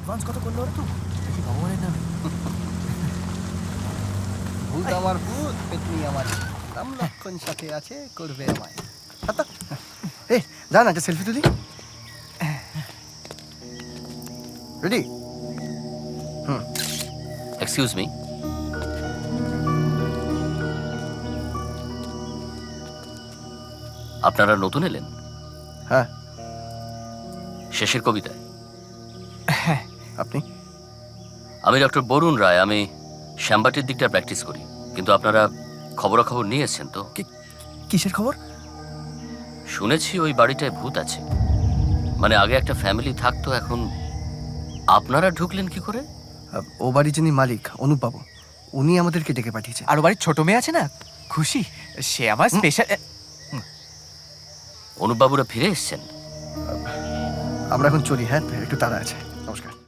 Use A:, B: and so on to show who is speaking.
A: Advance কত করলো ওরা তো দেখি ভগবানের নামে।
B: ভূত আমার ভূত, পেতনি আমার নাম লক্ষণ সাথে আছে, করবে আমায়।
C: আত্মা এই যা না একটা সেলফি তুলি। রেডি?
D: এক্সকিউজ মি, আপনারা নতুন এলেন?
C: হ্যাঁ।
D: শেষের কবিতায়
C: আপনি?
D: আমি ডক্টর বরুণ রায়, আমি শ্যামবাটির দিকটা প্র্যাকটিস করি। কিন্তু আপনারা খবরাখবর নিয়ে এসছেন তো?
C: কিসের খবর?
D: শুনেছি ওই বাড়িটায় ভূত আছে। মানে আগে একটা ফ্যামিলি থাকতো, এখন আপনারা ঢুকলেন কি করে?
C: ও বাড়ি যিনি মালিক অনুপ বাবু, উনি আমাদেরকে ডেকে পাঠিয়েছেন।
A: আর ও বাড়ির ছোট মেয়ে আছে না, খুশি, সে আমার স্পেশাল।
D: অনুপবাবুরা ফিরে এসছেন?
C: আমরা এখন চলি, হ্যাঁ একটু তাড়া আছে। নমস্কার।